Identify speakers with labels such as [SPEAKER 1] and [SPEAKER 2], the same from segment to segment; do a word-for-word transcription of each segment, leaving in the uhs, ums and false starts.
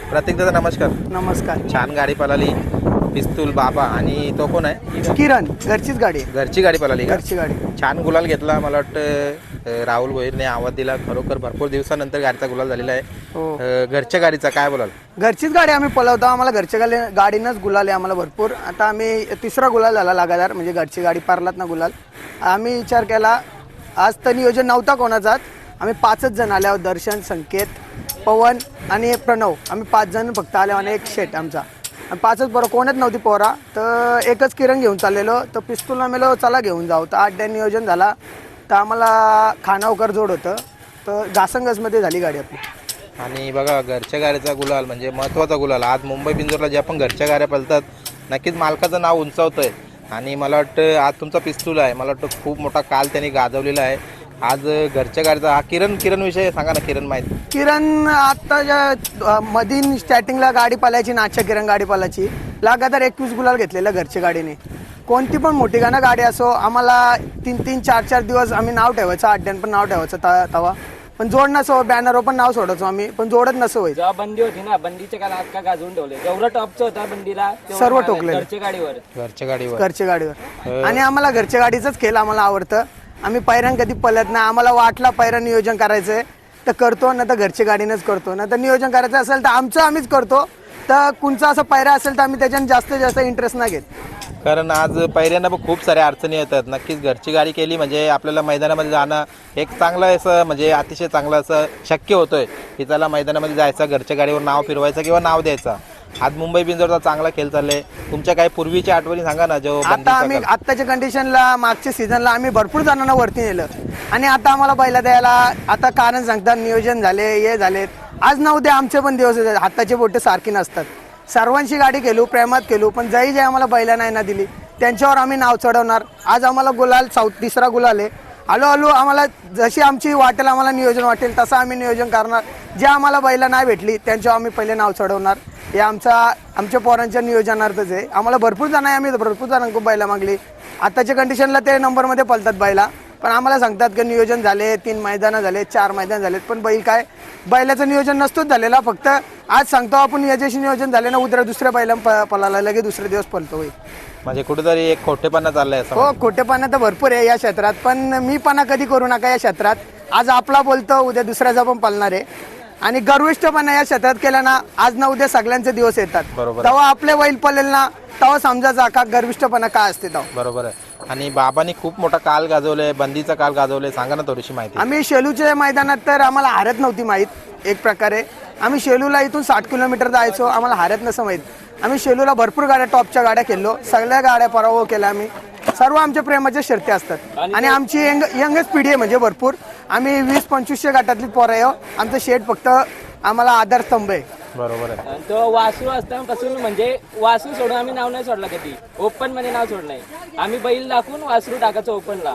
[SPEAKER 1] प्रतीक दादा नमस्कार.
[SPEAKER 2] नमस्कार.
[SPEAKER 1] छान गाडी पळाली, पिस्तूल बाबा आणि तो कोण आहे?
[SPEAKER 2] किरण. घरचीच गाडी आहे.
[SPEAKER 1] घरची गाडी पळाली का?
[SPEAKER 2] घरची गाडी.
[SPEAKER 1] छान गुलाल घेतला. मला वाटतं राहुल भोईरने आवाज दिला. खरोखर भरपूर दिवसानंतर गाडीचा गुलाल झालेला आहे.
[SPEAKER 2] हो.
[SPEAKER 1] अ, घरच्या गाडीचा काय बोलाल?
[SPEAKER 2] घरचीच गाडी आम्ही पळवतो. आम्हाला घरच्या गाडी गाडीनंच गुलाल आहे आम्हाला भरपूर. आता आम्ही तिसरा गुलाल झाला लगातार, म्हणजे घरची गाडी पारलात ना गुलाल. आम्ही विचार केला, आज तर नियोजन नव्हता कोणाचाच, आम्ही पाचच जण आले आहोत. दर्शन, संकेत, पवन आणि प्रणव, आम्ही पाच जण फक्त आले आणि एक शेट आमचा. आणि पाचच पोरं, कोणच नव्हती पोरा. तर एकच किरण घेऊन चाललेलो. तर पिस्तूलला मेलो चला घेऊन जाऊ. तर आठ डॅन नियोजन झाला. तर आम्हाला खानावकर जोड होतं. तर घासंगसमध्ये झाली गाडी आपली.
[SPEAKER 1] आणि बघा घरच्या गाडीचा गुलाल म्हणजे महत्त्वाचा गुलाल. आज मुंबई बिंजोरला ज्या पण घरच्या गाड्या पळतात नक्कीच मालकाचं नाव उंचावतं आहे. आणि मला वाटतं आज तुमचा पिस्तूल आहे, मला वाटतं खूप मोठा काल त्यांनी गाजवलेला आहे. आज घरच्या गाडीचा हा किरण किरण विषय सांगा ना. किरण माहिती?
[SPEAKER 2] किरण आत्ताच्या मधीन स्टार्टिंगला गाडी पालायची, नाच्या किरण गाडी पालायची. लगातार एकवीस गुलाल घेतलेलं घरच्या गाडीने. कोणती पण मोठी गाणं गाडी असो, आम्हाला तीन तीन चार चार दिवस आम्ही नाव ठेवायचं, अड्ड्यान पण नाव ठेवायचं ता तवा पण जोड नसो, बॅनरवर पण नाव सोडायचो आम्ही, पण जोडत नसो व्हायचं.
[SPEAKER 3] जेव्हा बंदी होती ना, बंदीच्या काळात का गाजवून ठेवले. जेवढं टॉपचं होता बंदीला
[SPEAKER 2] सर्व ठोकले
[SPEAKER 3] घरच्या गाडीवर.
[SPEAKER 1] घरच्या गाडीवर
[SPEAKER 2] घरच्या गाडीवर. आणि आम्हाला घरच्या गाडीचाच खेळ आम्हाला आवडतं. आम्ही पैरान कधी पळत नाही. आम्हाला वाटला पैरा नियोजन करायचंय तर करतो, ना तर घरच्या गाडीनंच करतो. ना तर नियोजन करायचं असेल तर आमचं आम्हीच करतो. तर कुणचा असं पैरा असेल तर आम्ही त्याच्यानं जास्तीत जास्त इंटरेस्ट नाही घेत.
[SPEAKER 1] कारण आज पहिल्यांदा पण खूप साऱ्या अडचणी येतात. नक्कीच घरची गाडी केली म्हणजे आपल्याला मैदानामध्ये जाणं एक चांगलं असं म्हणजे अतिशय चांगलं असं शक्य होतंय की त्याला मैदानामध्ये जायचं, घरच्या गाडीवर नाव फिरवायचं किंवा नाव द्यायचं. आज मुंबई बिंजोरचा चांगला खेळ चाललाय. तुमच्या काही पूर्वीच्या आठवणी सांगा ना. जो
[SPEAKER 2] आता आम्ही आत्ताच्या कंडिशनला, मागच्या सीझनला आम्ही भरपूर जणांना वरती नेलं आणि आता आम्हाला बैला द्यायला आता कारण सांगतात नियोजन झाले, हे झाले. आज ना उद्या आमचे पण दिवस आहेत. हाताचे बोटे सारखी नसतात. सर्वांची गाडी केलो, प्रेमात केलो, पण जही जे आम्हाला बैला नाही ना दिली त्यांच्यावर आम्ही नाव चढवणार. आज आम्हाला गुलाल साऊथ तिसरा गुलाल आहे. हळू हळू आम्हाला जशी आमची वाटेल, आम्हाला नियोजन वाटेल तसं आम्ही नियोजन करणार. जे आम्हाला बैला नाही भेटली त्यांच्यावर आम्ही पहिले नाव चढवणार. हे आमचा आमच्या पोरांच्या नियोजनार्थच आहे. आम्हाला भरपूर जण आहे, आम्ही भरपूर जणांकडून बैला मागली. आताच्या कंडिशनला ते नंबरमध्ये पळतात बैला, पण आम्हाला सांगतात की नियोजन झाले, तीन मैदानं झाले, चार मैदान झालेत, पण बैल काय बैलाचं नियोजन नसतोच झालेला. फक्त आज सांगतो आपण याच्याशी नियोजन झाले ना, उद्या दुसऱ्या बैला पळाला लगे दुसरे दिवस पळतो होईल.
[SPEAKER 1] म्हणजे कुठेतरी एक खोटेपणा चाललाय असं.
[SPEAKER 2] हो, खोटेपणा तर भरपूर आहे या क्षेत्रात, पण मी पणा कधी करू नका या क्षेत्रात. आज आपला बोलतो, उद्या दुसऱ्याचा पण पळणार आहे. आणि गर्विष्ठपणा या क्षेत्रात केला ना, आज ना उद्या सगळ्यांचे दिवस येतात. तेव्हा आपले बैल पळेल ना, तेव्हा समजायचा का गर्विष्ठपणा काय असते तेव्हा.
[SPEAKER 1] बरोबर आहे. आणि बाबांनी खूप मोठा काल गाजवलाय, बंदीचा काल गाजवलाय. सांगा ना थोडीशी माहिती.
[SPEAKER 2] आम्ही शेलूच्या मैदानात तर आम्हाला हारत नव्हती माहीत. एक प्रकारे आम्ही शेलूला इथून साठ किलोमीटर जायचो, आम्हाला हारत नसं माहीत. आम्ही शेलूला भरपूर गाड्या, टॉपच्या गाड्या खेळलो, सगळ्या गाड्या पराभव केल्या आम्ही. सर्व आमच्या प्रेमाच्या शर्ती असतात. आणि आमची यंग यंगच पिढी आहे, म्हणजे भरपूर. आम्ही वीस पंचवीसशे गटातली पोरं आहे. आमचं शेट फक्त आम्हाला आधारस्तंभ आहे.
[SPEAKER 1] बरोबर आहे.
[SPEAKER 3] आणि तो वासरू असतापासून म्हणजे वासरू सोडून आम्ही नाव नाही सोडला कधी. ओपन मध्ये नाव सोडलं नाही. आम्ही बैल दाखवून वासरू टाकायचं ओपनला.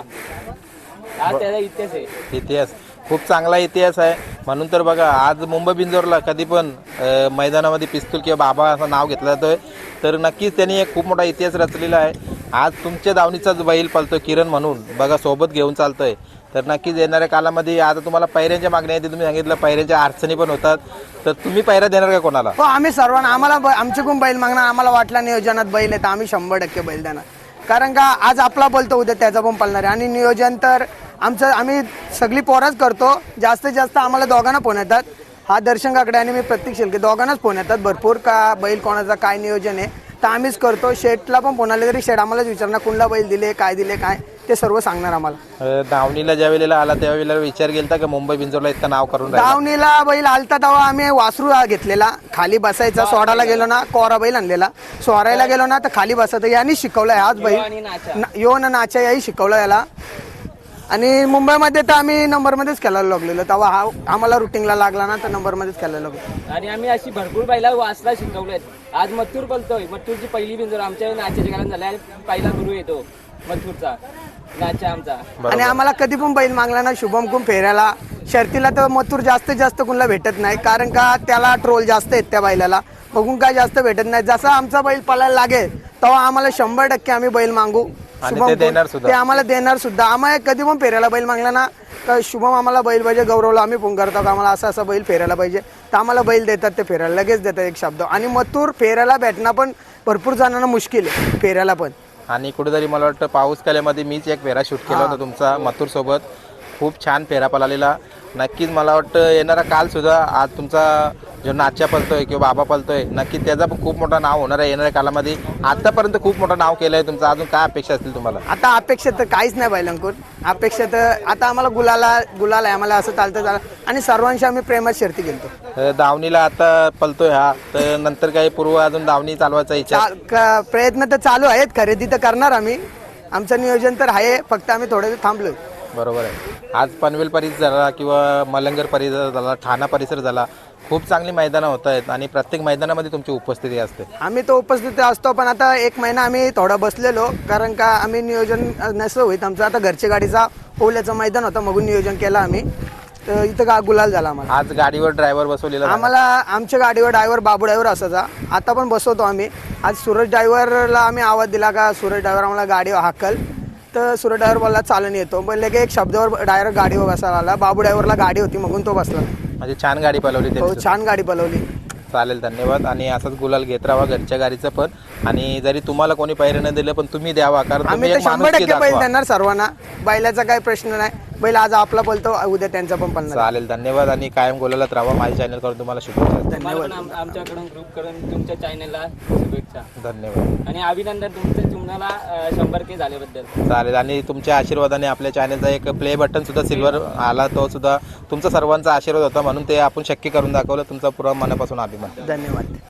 [SPEAKER 3] हा त्याचा इतिहास आहे.
[SPEAKER 1] इतिहास खूप चांगला इतिहास आहे. म्हणून तर बघा आज मुंबई बिंजोरला कधी पण मैदानामध्ये पिस्तूल किंवा बाबा असं नाव घेतलं जातोय तर नक्कीच त्यांनी एक खूप मोठा इतिहास रचलेला आहे. आज तुमच्या दावणीचाच बैल पळतोय किरण म्हणून बघा, सोबत घेऊन चालतोय. तर नक्कीच येणाऱ्या कालामध्ये आता तुम्हाला पैऱ्यांच्या मागण्या आहेत, तुम्ही सांगितलं पैऱ्यांच्या अडचणी पण होतात, तर तुम्ही पैरा देणार का कोणाला?
[SPEAKER 2] हो, आम्ही सर्वांना, आम्हाला आमच्याकडून बैल मागणार. आम्हाला वाटला नियोजनात बैल आहे तर आम्ही शंभर टक्के बैल देणार. कारण का आज आपला बोलतो, उद्या त्याचा पण पळणार आहे. आणि नियोजन तर आमचं आम्ही सगळी पोराच करतो. जास्तीत जास्त आम्हाला दोघांना फोन येतात. हा दर्शन काकडे आणि मी प्रत्येक शेलके दोघांनाच फोन येतात भरपूर, का बैल कोणाचा काय नियोजन आहे तर आम्हीच करतो. शेटला पण फोन आले तरी शेट आम्हालाच विचारणार कुणला बैल दिले, काय दिले, काय ते सर्व सांगणार आम्हाला.
[SPEAKER 1] दावणीला ज्या वेळेला आला त्यावेळेला विचार केला का मुंबई बिंजोरला इतकं नाव करून
[SPEAKER 2] दावणीला बैल आलता तेव्हा आम्ही वासरू घेतलेला, खाली बसायचा. सोडायला गेलो ना, कोरा बैल आणलेला. सोरायला गेलो ना तर खाली बसायचं. यांनी शिकवलंय आज बैल यो ना नाचा, याही शिकवलं याला. आणि मुंबईमध्ये तर आम्ही नंबरमध्येच खेळायला लागलेलो. तेव्हा हा आम्हाला रुटीनला लागला ना तर नंबरमध्येच खेळायला लागलो.
[SPEAKER 3] आणि आम्ही अशी भरपूर बैला वासला शिकवलेत. आज मथुर पळतोय. मथुरची पहिली बिंजोर आमच्या नाच्याच्या काळात झाल्या. पहिला गुरु येतो मथुरचा, नाचा आमचा.
[SPEAKER 2] आणि आम्हाला कधी पण बैल मागला ना शुभम कुम फेऱ्याला, शर्तीला तर मथुर जास्तीत जास्त कुणाला भेटत नाही. कारण का त्याला ट्रोल जास्त आहेत त्या बैलाला, बघून काय जास्त भेटत नाही. जसा आमचा बैल पळायला लागेल तेव्हा आम्हाला शंभर टक्के आम्ही बैल मागू. शुभम ते आम्हाला देणार सुद्धा. आम्हाला कधी पण फेऱ्याला बैल मागला ना, का शुभम आम्हाला बैल पाहिजे, गौरवला आम्ही फोन करतो का आम्हाला असा असा बैल फेरायला पाहिजे, तर आम्हाला बैल देतात ते फेरायला लगेच देतात एक शब्द. आणि मथुर फेरायला भेटणं पण भरपूर जणांना मुश्किल आहे फेरायला पण.
[SPEAKER 1] आणि कुठेतरी मला वाटतं पाऊस कलेमध्ये मीच एक फेरा शूट केला होता तुमचा मथुर सोबत. खूप छान फेरा पळालेला. नक्कीच मला वाटतं येणारा काल सुद्धा आज तुमचा जो नाच्या पळतोय किंवा बाबा पळतोय नक्कीच त्याचा पण खूप मोठं नाव होणार आहे येणाऱ्या कालामध्ये. आतापर्यंत खूप मोठं नाव केलं आहे तुमचं. अजून काय अपेक्षा असतील तुम्हाला?
[SPEAKER 2] आता अपेक्षा तर काहीच नाही बैलांकडून. अपेक्षा तर आता आम्हाला गुलाला गुलाल आहे आम्हाला असं चालतं चालतं. आणि सर्वांशी आम्ही प्रेमात शर्ती गेलतो.
[SPEAKER 1] अ, दावणीला आता पळतोय हा, तर नंतर काही पूर्व अजून दावणी चालवायचा इच्छा?
[SPEAKER 2] चा- क- प्रयत्न तर चालू आहेत. खरेदी तर करणार आम्ही. आमचं नियोजन तर आहे. फक्त आम्ही थोडं थांबलोय.
[SPEAKER 1] बरोबर आहे. आज पनवेल परिसर झाला किंवा मलंगर परिसर झाला, ठाणा परिसर झाला, खूप चांगली मैदानं होत आहेत आणि प्रत्येक मैदानामध्ये तुमची उपस्थिती असते.
[SPEAKER 2] आम्ही तो उपस्थित असतो पण आता एक महिना आम्ही थोडा बसलेलो कारण का आम्ही नियोजन नसलं होईत आमचं. आता घरच्या गाडीचा ओल्याचं मैदान होतं मगून नियोजन केलं आम्ही. तर इथं का गुलाल झाला आम्हाला.
[SPEAKER 1] आज गाडीवर ड्रायव्हर बसवलेला झाला.
[SPEAKER 2] आम्हाला आमच्या गाडीवर ड्रायव्हर बाबू ड्रायव्हर असायचा. आता पण बसवतो आम्ही. आज सूरज ड्रायव्हरला आम्ही आवाज दिला का सूरज ड्रायव्हर आम्हाला गाडी हाकल. तर सूरज ड्रायव्हर बोलला चालून येतो. पण लगे एक शब्दावर डायरेक्ट गाडीवर बसायला आला. बाबू ड्रायव्हरला गाडी होती मगून तो बसला.
[SPEAKER 1] म्हणजे छान गाडी पळवली
[SPEAKER 2] हो
[SPEAKER 1] त्यांनी.
[SPEAKER 2] छान गाडी पळवली.
[SPEAKER 1] चालेल, धन्यवाद. आणि असंच गुलाल घेत राहा घरच्या गाडीचं पण. आणि जरी तुम्हाला कोणी पैरे न दिलं पण तुम्ही द्यावा, कारण तुम्ही
[SPEAKER 2] आम्ही तर
[SPEAKER 1] एक
[SPEAKER 2] शंभर
[SPEAKER 1] माणुसकी
[SPEAKER 2] टक्के बैल
[SPEAKER 1] दाखवा.
[SPEAKER 2] देणार सर्वांना. बैलाचा काही प्रश्न नाही. बैल आज आपला पळतो उद्या त्यांचा पण पळणार.
[SPEAKER 1] चालेल, धन्यवाद. आणि कायम गुलालात राहा. माझ्या चॅनल करून तुम्हाला शुभेच्छा.
[SPEAKER 3] तुम्हाला पण आम- आमच्याकडून ग्रुप करून तुमच्या चॅनलला शुभेच्छा
[SPEAKER 1] धन्यवाद.
[SPEAKER 3] आणि अभिनंदन तुमचं तुम्हाला अं, शंभर के झाल्याबद्दल.
[SPEAKER 1] चालेल. आणि तुमच्या आशीर्वादाने आपल्या चॅनलचा एक प्ले बटन सुद्धा सिल्वर आला, तो सुद्धा तुमचा सर्वांचा आशीर्वाद होता म्हणून ते आपण शक्य करून दाखवलं. तुमचा पुरा मनापासून अभिमान.
[SPEAKER 2] धन्यवाद.